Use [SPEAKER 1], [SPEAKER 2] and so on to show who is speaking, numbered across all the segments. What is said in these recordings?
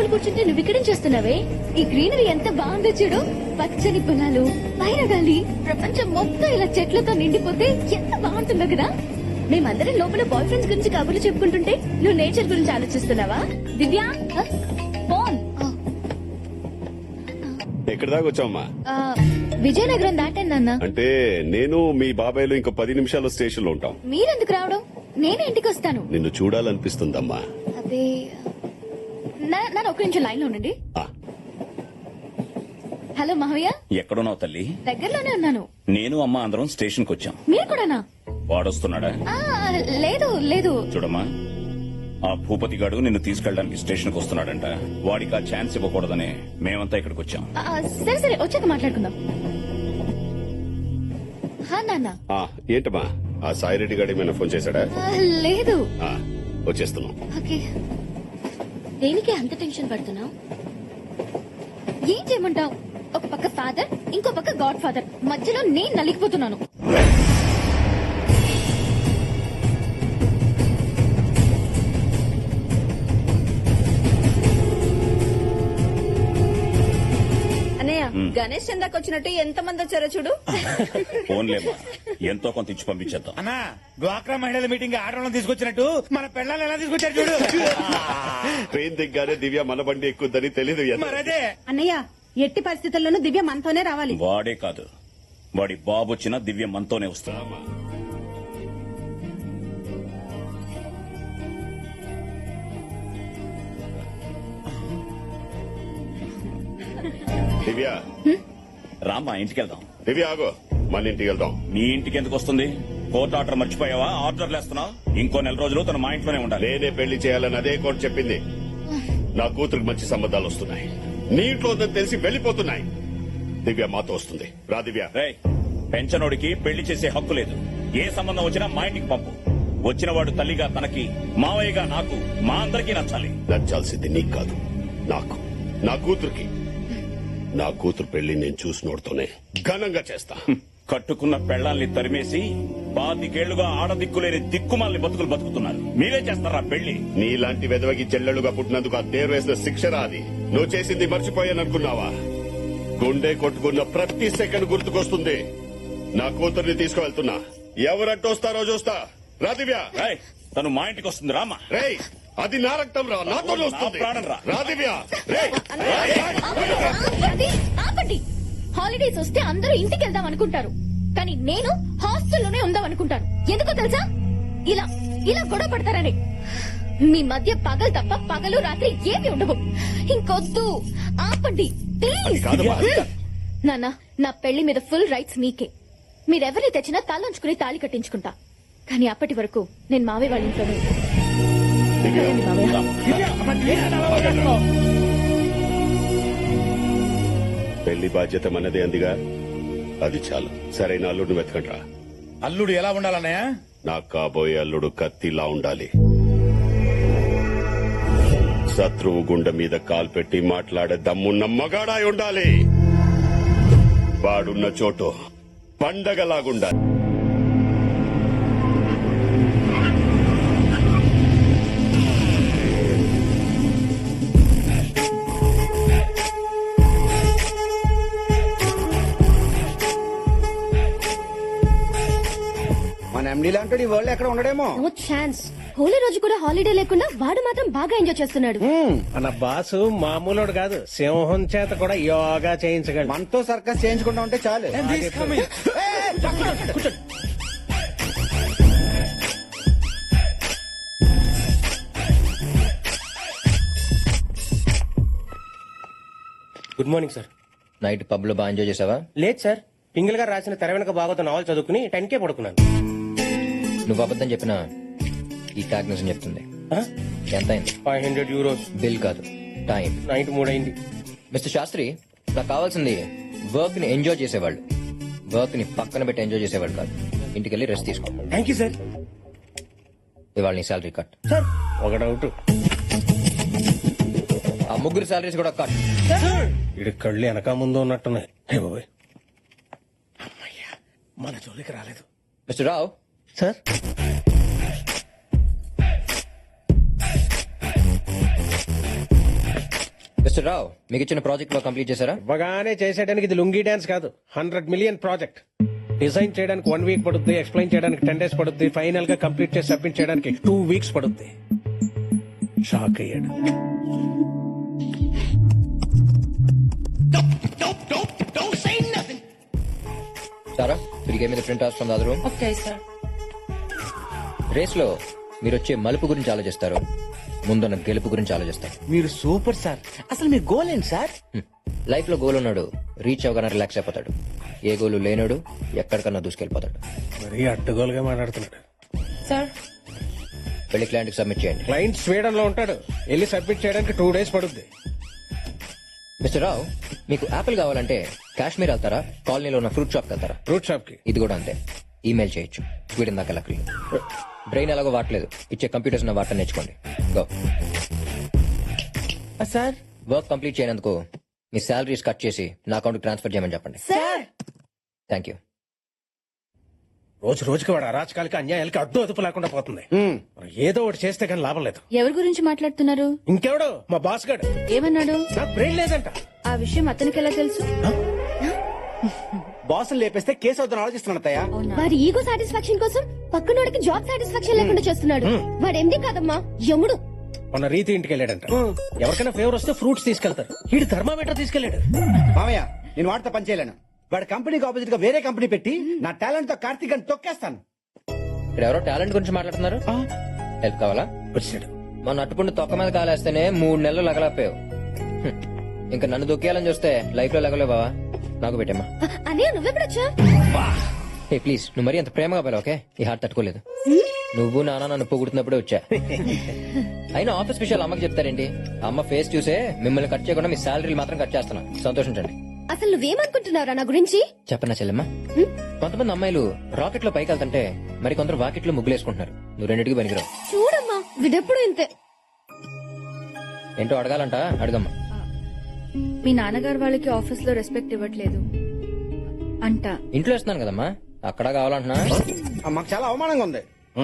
[SPEAKER 1] కూర్చుంటే నువ్వు ఇక్కడేం చేస్తున్నావే? ఈ గ్రీనరీ ఎంత బాగుందో చూడు. పచ్చని పొలాలు, పైన గాలి, ప్రపంచం మొత్తం ఇలా చెట్లతో నిండిపోతే ఎంత బాగుంటుందో కదా. మేమందరం లోపల బాయ్ ఫ్రెండ్స్ గురించి కబుర్లు చెప్పుకుంటుంటే నువ్వు నేచర్ గురించి ఆలోచిస్తున్నావా? దివ్యా, ఫోన్.
[SPEAKER 2] ఎక్కడి దాకా వచ్చావమ్మా?
[SPEAKER 1] విజయనగరం దాటాను నాన్న.
[SPEAKER 2] అంటే నేను మీ బాబాయ్లు ఇంకో 10 నిమిషాలు స్టేషన్ లో ఉంటాం.
[SPEAKER 1] మీరెందుకు రావడం? నేనే ఇంటికి వస్తాను.
[SPEAKER 2] నిన్ను చూడాలనిపిస్తుందమ్మా.
[SPEAKER 1] అదే నన్ను ఒక్క నిమిషం లైన్ లో ఉండండి.
[SPEAKER 2] ఆ,
[SPEAKER 1] హలో మహవయ్య,
[SPEAKER 3] ఎక్కడున్నావు తల్లి?
[SPEAKER 1] దగ్గరలోనే ఉన్నాను.
[SPEAKER 3] నేను అమ్మ అందరం స్టేషన్ కు వచ్చాం.
[SPEAKER 1] మీరు కూడానా?
[SPEAKER 3] వాడొస్తున్నాడా?
[SPEAKER 1] లేదు లేదు.
[SPEAKER 3] చూడమ్మా, ఆ భూపతి గాడు నిన్ను తీసుకెళ్ళడానికి స్టేషన్ కు వస్తున్నాడంట. వాడికి ఆ ఛాన్స్ ఇవ్వకూడదని మేమంతా ఇక్కడికి వచ్చాం.
[SPEAKER 1] సరే సరే, వచ్చాక మాట్లాడుకుందాం. నాన్న.
[SPEAKER 2] ఏంటమ్మా, ఆ సాయిరెడ్డి గారు ఏమైనా ఫోన్ చేశాడా?
[SPEAKER 1] లేదు.
[SPEAKER 2] వచ్చేస్తున్నాం.
[SPEAKER 1] ఓకే. దేనికి అంత టెన్షన్ పడుతున్నావు? ఏం చేయమంటావు? ఒక పక్క ఫాదర్, ఇంకో పక్క గాడ్ ఫాదర్, మధ్యలో నేను నలిగిపోతున్నాను.
[SPEAKER 4] గణేష్ చందాకి వచ్చినట్టు ఎంత మంది వచ్చారో చూడు.
[SPEAKER 3] ఫోన్లేమ్మా, ఎంతో కొంత ఇచ్చి పంపించేద్దాం.
[SPEAKER 5] అన్నా, డ్వాక్రా మహిళల మీటింగ్ ఆడవాళ్ళని తీసుకొచ్చినట్టు మన పెళ్ళాలను ఎలా తీసుకొచ్చారు చూడు.
[SPEAKER 2] ట్రైన్ దిగ్గానే దివ్య మన బండి ఎక్కుద్దని తెలీదు.
[SPEAKER 5] మరదే
[SPEAKER 4] అన్నయ్య, ఎట్టి పరిస్థితుల్లోనూ దివ్య మనతోనే రావాలి.
[SPEAKER 3] వాడే కాదు, వాడి బాబు వచ్చిన దివ్య మనతోనే వస్తుంది.
[SPEAKER 2] దివ్య,
[SPEAKER 3] రామ్మా, ఇంటికి వెళ్దాం.
[SPEAKER 2] దివ్య ఆగో, మన ఇంటికి వెళ్దాం.
[SPEAKER 3] మీ ఇంటికి ఎందుకు వస్తుంది? కోర్టు ఆర్డర్ మర్చిపోయావా? ఆర్డర్లు వేస్తున్నావు. ఇంకో నెల రోజులు తన మా ఇంట్లోనే ఉండాలి.
[SPEAKER 2] నేనే పెళ్లి చేయాలని అదే కోర్టు చెప్పింది. నా కూతురికి మంచి సంబంధాలు వస్తున్నాయి. నీ ఇంట్లో ఉందని తెలిసి వెళ్లిపోతున్నాయి. దివ్య మాతో వస్తుంది. రా దివ్య.
[SPEAKER 3] రేయ్, పెంచనోడికి పెళ్లి చేసే హక్కు లేదు. ఏ సంబంధం వచ్చినా మా ఇంటికి పంపు. వచ్చినవాడు తల్లిగా తనకి, మావయ్యగా నాకు, మా అందరికీ నచ్చాలి.
[SPEAKER 2] నచ్చాల్సింది నీకు కాదు, నాకు. నా కూతురికి. నా కూతురు పెళ్లి నేను చూసినోడుతోనే ఘనంగా చేస్తా.
[SPEAKER 3] కట్టుకున్న పెళ్లాల్ని తరిమేసి 25 ఆడదిక్కులేని దిక్కుమాలని బతుకులు బతుకుతున్నారు. మీరే చేస్తారా పెళ్లి?
[SPEAKER 2] నీలాంటి వెదవకి చెల్లెలుగా పుట్టినందుకు ఆ దేరు వేసిన శిక్షరా అది. నువ్వు చేసింది మర్చిపోయాననుకున్నావా? గుండె కొట్టుకున్న ప్రతి సెకండ్ గుర్తుకొస్తుంది. నా కూతుర్ని తీసుకువెళ్తున్నా. ఎవరట్టొస్తారో చూస్తా. రా దివ్య.
[SPEAKER 3] రేయ్, తను మా ఇంటికి వస్తుంది. రామా.
[SPEAKER 2] రేయ్, అది నా రక్తం రా, నాతో వస్తుంది.
[SPEAKER 3] ప్రాణం రా.
[SPEAKER 2] రా దివ్య. రేయ్.
[SPEAKER 1] ఆపండి. హాలిడేస్ వస్తే అందరూ ఇంటికి వెళ్దాం అనుకుంటారు, కానీ నేను హాస్టల్లోనే ఉందాం అనుకుంటాను. ఎందుకో తెలుసా? ఇలా ఇలా గొడవ పడతారని. మీ మధ్య పగలు తప్ప పగలు రాత్రి ఏమి ఉండవు. ఇంకొద్దు, ఆపండి ప్లీజ్. నాన్న, నా పెళ్లి మీద ఫుల్ రైట్స్ మీకే. మీరెవరిని తెచ్చినా తలంచుకుని తాళి కట్టించుకుంటా. కానీ అప్పటి వరకు నేను మావయ్య వాళ్ళ ఇంట్లోనే ఉంటాను.
[SPEAKER 2] పెళ్లి బాధ్యత మనదే అందిగా, అది చాలు. సరైన అల్లుడిని వెతకండి రా.
[SPEAKER 5] అల్లుడు ఎలా ఉండాలన్నయ్య?
[SPEAKER 2] నాకు కాబోయే అల్లుడు కత్తిలా ఉండాలి. శత్రువు గుండె మీద కాలు పెట్టి మాట్లాడే దమ్మున్న మగాడాయి ఉండాలి. వాడున్న చోటు పండగలాగుండాలి.
[SPEAKER 6] మన ఎండీ లాంటి వరల్డ్ ఎక్కడ ఉండడేమో.
[SPEAKER 1] No chance. హోలీ రోజు కూడా హాలిడే లేకుండా వాడు మాత్రం బాగా ఎంజాయ్ చేస్తున్నాడు.
[SPEAKER 7] మన బాసు మామూలుడు కాదు, సింహం చేత కూడా యోగా చేయించగలడు.
[SPEAKER 6] మనతో సర్కస్ చేయించుకుంటా ఉంటే చాలు.
[SPEAKER 7] Good morning sir.
[SPEAKER 8] Night pub లో బాగా ఎంజాయ్ చేసావా?
[SPEAKER 7] లేదు సార్, పింగిల్ గారు రాసిన తెర వెనక బాగోత నావల్ చదువుకుని 10K పడుకున్నాను.
[SPEAKER 8] నువ్వు అబద్ధం చెప్పినా ఈ ట్యాగ్ నిజం చెప్తుంది. ఎంత అయింది?
[SPEAKER 7] 500 euros.
[SPEAKER 8] బిల్ కాదు, టైం.
[SPEAKER 7] నైట్ 3 అయింది.
[SPEAKER 8] మిస్టర్ శాస్త్రి, నాకు కావాల్సింది వర్క్ ని ఎంజాయ్ చేసేవాళ్ళు, వర్క్ ని పక్కన పెట్టి ఎంజాయ్ చేసేవాళ్ళు కాదు. ఇంటికి వెళ్ళి రెస్ట్ తీసుకో.
[SPEAKER 7] Thank you sir.
[SPEAKER 8] ఇవాళ నీ శాలరీ కట్.
[SPEAKER 7] సార్, ఒక డౌట్.
[SPEAKER 8] ఆ ముగ్గురు శాలరీస్ కూడా కట్.
[SPEAKER 7] ఇడి కళ్ళు వెనక ముందు ఉన్నట్టున్నాయి. అమ్మయ్యా, మన జోలికి రాలేదు.
[SPEAKER 8] Mister Rao.
[SPEAKER 7] Sir,
[SPEAKER 8] mister Rao మీకు ఇచ్చిన ప్రాజెక్ట్ లో కంప్లీట్ చేశారా?
[SPEAKER 7] ఇవ్వగానే చేసేయడానికి ఇది లుంగీ డాన్స్ కాదు, 100 million ప్రాజెక్ట్. డిజైన్ చేయడానికి 1 week పడుతుంది, ఎక్స్ప్లెయిన్ చేయడానికి 10 days పడుతుంది, ఫైనల్ గా కంప్లీట్ చేసి సబ్మిట్ చేయడానికి 2 weeks పడుతుంది. షాక్ అయ్యాడు.
[SPEAKER 8] సారా తిరిగే మీద print off from the other room.
[SPEAKER 4] Okay sir.
[SPEAKER 8] Race లో మీరు వచ్చే మలుపు గురించి ఆలోచిస్తారు, ముందున్న గెలుపు గురించి ఆలోచిస్తారు.
[SPEAKER 6] మీరు సూపర్ సార్. అసలు మీ గోల్ ఏంటి సార్?
[SPEAKER 8] లైఫ్ లో గోల్ ఉన్నాడు రీచ్ అవగానే రిలాక్స్ అయిపోతాడు. ఏ గోలు లేనోడు ఎక్కడికన్నా దూసుకెళ్ళిపోతాడు.
[SPEAKER 7] మరీ అడ్డగోలుగా మాట్లాడుతున్నాడు.
[SPEAKER 4] సార్
[SPEAKER 8] వెళ్ళి క్లయింట్ కి సబ్మిట్ చేయండి.
[SPEAKER 7] క్లయింట్ స్వీడన్ లో ఉంటాడు, వెళ్ళి సబ్మిట్ చేయడానికి 2 days పడుతుంది.
[SPEAKER 8] మిస్టర్ రావు మీకు యాపిల్ కావాలంటే కాశ్మీర్ వెళ్తారా, కాలనీలో ఉన్న ఫ్రూట్ షాప్ వెళ్తారా?
[SPEAKER 7] ఫ్రూట్ షాప్ కి.
[SPEAKER 8] ఇది కూడా అంతే, ఈమెయిల్ చేయొచ్చు. స్వీడన్ దాకా లక్లీ. బ్రెయిన్ ఎలాగో వాడలేదు, ఇచ్చే కంప్యూటర్స్ వాటర్ నేర్చుకోండి. గో.
[SPEAKER 6] సార్
[SPEAKER 8] వర్క్ కంప్లీట్ చేయనందుకు మీ శాలరీస్ కట్ చేసి నా అకౌంట్ ట్రాన్స్ఫర్ చేయమని చెప్పండి.
[SPEAKER 4] Sir
[SPEAKER 8] thank you.
[SPEAKER 7] రోజు రోజుకి వాడు అరాచకాలకి అన్యాయాలకి అడ్డు అదుపు లేకుండా పోతుంది. మనం ఏదో ఒకటి చేస్తే కానీ లాభం లేదు.
[SPEAKER 1] ఎవరి గురించి మాట్లాడుతున్నారు?
[SPEAKER 7] ఇంకెవడో మా బాస్ గాడు.
[SPEAKER 1] ఏమన్నాడు?
[SPEAKER 7] నాకు బ్రెయిన్ లేదంట.
[SPEAKER 1] ఆ విషయం అతనికి ఎలా తెలుసు?
[SPEAKER 6] బాసులు లేపేస్తే కేసు అవుతాను ఆలోచిస్తున్నాను అత్తయ్య.
[SPEAKER 1] వారి ఈగో సాటిస్ఫాక్షన్ కోసం పక్కనోడికి జాబ్ సాటిస్ఫాక్షన్ లేకుండా చేస్తున్నాడు. వాడు ఎండి కాదమ్మా, యముడు.
[SPEAKER 7] మొన్న రీతి ఇంటికి వెళ్ళాడంట. ఎవరికైనా ఫేవర్ వస్తే ఫ్రూట్స్ తీసుకెళ్తారు, వీడు థర్మామీటర్ తీసుకెళ్లాడు.
[SPEAKER 6] మామయ్య నేను వాడితో పని చేయలేను. వాడి కంపెనీకి ఆపోజిట్ గా వేరే కంపెనీ పెట్టి నా టాలెంట్ తో కార్తీక్ అని తొక్కేస్తాను.
[SPEAKER 8] ఇక్కడ ఎవరో టాలెంట్ గురించి మాట్లాడుతున్నారు. హెల్ప్ కావాలా?
[SPEAKER 7] వచ్చాడు.
[SPEAKER 8] మన అట్టుపుండి తొక్క మీద కాలేస్తేనే 3 నెలలు లగలపోయావు. ఇంకా నన్ను దొక్కేయాలని చూస్తే లైఫ్ లో లగలేవు బావా. నాకు పెట్టమ్మా.
[SPEAKER 1] అనే నువ్వెప్పుడొచ్చా?
[SPEAKER 8] ఏ ప్లీజ్ నువ్వు మరీ అంత ప్రేమగా పోయావు. ఓకే ఈ హార్ట్ తట్టుకోలేదు. నువ్వు నాన్న నన్ను పొగుడుతున్నప్పుడే వచ్చా. అయినా ఆఫీస్ విషయాలు అమ్మకి చెప్తారేంటి? అమ్మ ఫేస్ చూసే మిమ్మల్ని కట్ చేయకుండా మీ శాలరీలు మాత్రం కట్ చేస్తున్నా. సంతోషించండి.
[SPEAKER 1] అసలు నువ్వేమనుకుంటున్నారా నా గురించి?
[SPEAKER 8] చెప్పనా చెల్లెమ్మా, కొంతమంది అమ్మాయిలు రాకెట్ లో పైకి వెళ్తుంటే మరి కొందరు వాకెట్ లో ముగ్గులేసుకుంటున్నారు. నువ్వు రెండింటికి పనికిరావు.
[SPEAKER 1] చూడమ్మా విడెప్పుడు ఇంతే.
[SPEAKER 8] ఏంటో అడగాలంట, అడగమ్మా.
[SPEAKER 1] మీ నాన్నగారు వాళ్ళకి ఆఫీస్ లో రెస్పెక్ట్ ఇవ్వట్లేదు అంట.
[SPEAKER 8] ఇంట్లో ఇస్తున్నాను కదమ్మా, అక్కడ కావాలంటున్నా.
[SPEAKER 6] మాకు చాలా అవమానంగా ఉంది.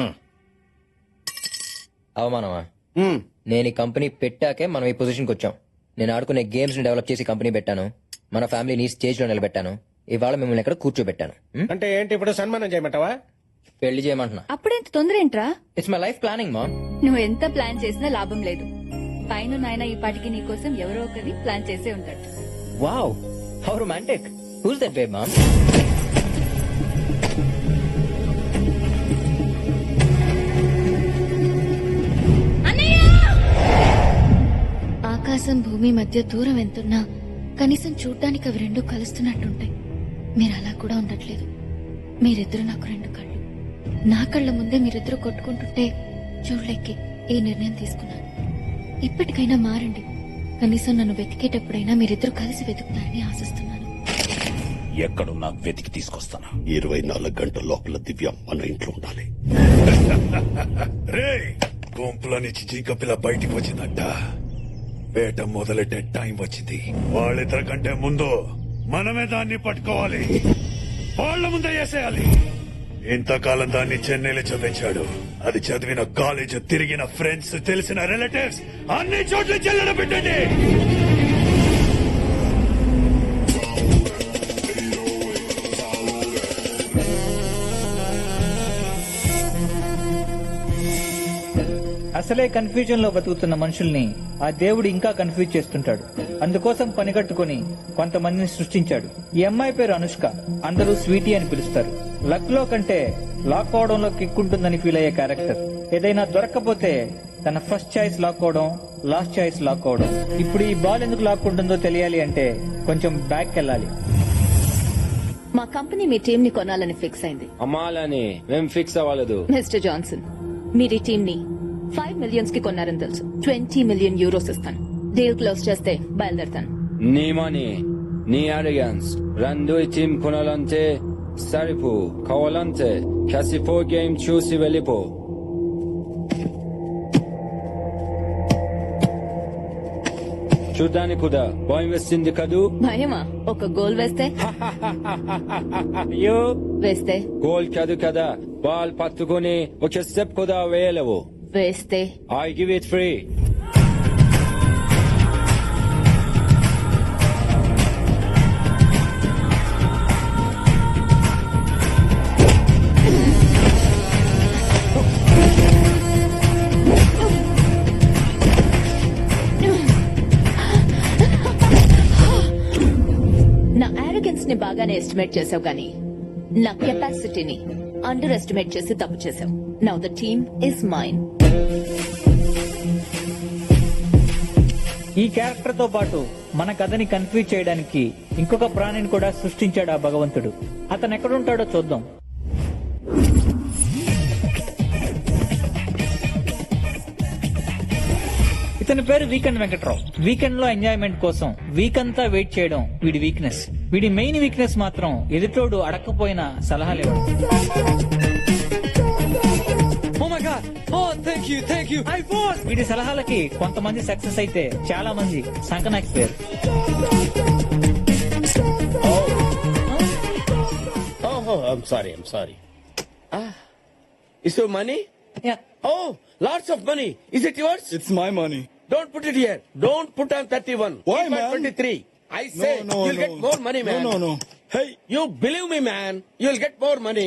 [SPEAKER 8] అవమానమా? నేను ఈ కంపెనీ పెట్టాకే మనం ఈ పొజిషన్కి వచ్చాం. నేను ఆడుకునే గేమ్స్ ని డెవలప్ చేసి కంపెనీ పెట్టాను. మన ఫ్యామిలీని స్టేజ్ లో నిలబెట్టాను. ఇవాళ మిమ్మల్ని ఎక్కడ కూర్చోబెట్టాను.
[SPEAKER 7] అంటే ఏంటి ఇప్పుడు సన్మానం చేయమంటావా?
[SPEAKER 8] పెళ్లి చేయమంటున్నా.
[SPEAKER 1] అప్పుడెంత తొందర ఏంట్రా?
[SPEAKER 8] ఇట్స్ మై లైఫ్ ప్లానింగ్ మా.
[SPEAKER 1] నువ్వు ఎంత ప్లాన్ చేసినా లాభం లేదు. పైన నాయన ఈ పాటికి నీ కోసం ఎవరో ఒకరి ప్లాన్ చేసే ఉంటాడు.
[SPEAKER 8] Wow how romantic. Who's that babe mom?
[SPEAKER 1] ఆకాశం భూమి మధ్య దూరం ఎంతున్నా కనీసం చూడ్డానికి అవి రెండు కలుస్తున్నట్టుంటాయి. మీరు అలా కూడా ఉండట్లేదు. మీరిద్దరు నాకు 2 కళ్ళు. నా కళ్ళ ముందే మీరిద్దరు కొట్టుకుంటుంటే చూడలేకే ఈ నిర్ణయం తీసుకున్నాను. ఇప్పటికైనా మారండి. కనీసం నన్ను వెతికేటప్పుడైనా మీరిద్దరు కలిసి వెతుకుతారని ఆశిస్తున్నాను.
[SPEAKER 3] ఎక్కడున్నా వెతికి తీసుకొస్తాను.
[SPEAKER 2] 24 గంటల లోపల దివ్య మన ఇంట్లో ఉండాలి.
[SPEAKER 9] రే గుంపులో నుంచి జింక పిల్ల బయటికి వచ్చిందంట. వేట మొదలెట్టే టైం వచ్చింది. వాళ్ళిద్దరి కంటే ముందు మనమే దాన్ని పట్టుకోవాలి. వాళ్ళ ముందే వేసేయాలి. ఇంతకాలం దాన్ని చెన్నైలో చదివించాడు. అది చదివిన కాలేజ్, తిరిగిన ఫ్రెండ్స్, తెలిసిన రిలేటివ్స్ అన్ని చోట్ల చెల్లడ పెట్టండి.
[SPEAKER 5] అసలే కన్ఫ్యూజన్ లో బతుకుతున్న మనుషుల్ని ఆ దేవుడు ఇంకా కన్ఫ్యూజ్ చేస్తుంటాడు. అందుకోసం పనిగట్టుకుని కొంతమందిని సృష్టించాడు. ఈ అమ్మాయి పేరు అనుష్క. అందరూ స్వీటీ అని పిలుస్తారు. లక్ లో కంటే లాక్ అవడంలో కిక్ ఉంటుందని ఫీల్ అయ్యే క్యారెక్టర్. ఏదైనా దొరక్కపోతే తన ఫస్ట్ చాయిస్ లాక్ అవడం, లాస్ట్ చాయిస్ లాక్ అవడం. ఇప్పుడు ఈ బాల్ ఎందుకు లాక్ ఉంటుందో తెలియాలి అంటే కొంచెం బ్యాక్ వెళ్ళాలి.
[SPEAKER 1] మా కంపెనీ మీ టీం ని కొనాలని ఫిక్స్ అయింది.
[SPEAKER 10] అమ్మాలని మేం ఫిక్స్ అవ్వలేదు.
[SPEAKER 1] మిస్టర్ జాన్సన్, మీరు ఈ టీం ని 5 million కి కొన్నారని తెలుసు. 20 million euros ఇస్తాను. డీల్ క్లోజ్ చేస్తే బయలుదేరతాను.
[SPEAKER 10] నీ మనీ, నీ అరిగన్స్ రెండు టీం కొనాలంటే సరిపో. కావాలంటే కాసిపో గేమ్ చూసి వెళ్ళిపో. చూడ్డానికి కూడా భయం వేస్తుంది కదూ?
[SPEAKER 1] భయమా? ఒక గోల్ వేస్తే?
[SPEAKER 10] అయ్యో
[SPEAKER 1] వేస్తే
[SPEAKER 10] గోల్ కాదు కదా, బాల్ పట్టుకుని ఒక స్టెప్ కూడా వేయలేవు.
[SPEAKER 1] వేస్తే
[SPEAKER 10] I give it free.
[SPEAKER 1] Skills ని బాగానే ఎస్టిమేట్ చేసావు గానీ నా కెపాసిటీని అండర్ ఎస్టిమేట్ చేసి తప్పు చేసావు. Now the team is mine.
[SPEAKER 5] ఈ క్యారెక్టర్ తో పాటు మన కథని కన్ఫ్యూజ్ చేయడానికి ఇంకొక ప్రాణిని కూడా సృష్టించాడు ఆ భగవంతుడు. అతను ఎక్కడుంటాడో చూద్దాం. ఇతని పేరు వీకెండ్ వెంకట్రావు. వీకెండ్ లో ఎంజాయ్మెంట్ కోసం వీక్ అంతా వెయిట్ చేయడం వీడి వీక్నెస్. వీడి మెయిన్ వీక్నెస్ మాత్రం ఎదుటోడు అడక్కపోయిన సలహాలు ఇవ్వడం. వీడి సలహాలకి కొంతమంది సక్సెస్ అయితే చాలా మంది సంకనాకిపోయారు.
[SPEAKER 11] Oh, I'm sorry. Is your money?
[SPEAKER 5] Yeah.
[SPEAKER 11] Oh, lots of money. Is it yours?
[SPEAKER 9] It's my money.
[SPEAKER 11] Don't put it here. Don't put on 31.
[SPEAKER 9] Why,
[SPEAKER 11] Keep on
[SPEAKER 9] man?
[SPEAKER 11] 23. I say
[SPEAKER 9] No,
[SPEAKER 11] you'll get more money, man.
[SPEAKER 9] No. Hey,
[SPEAKER 11] You believe me, man. You'll get more money.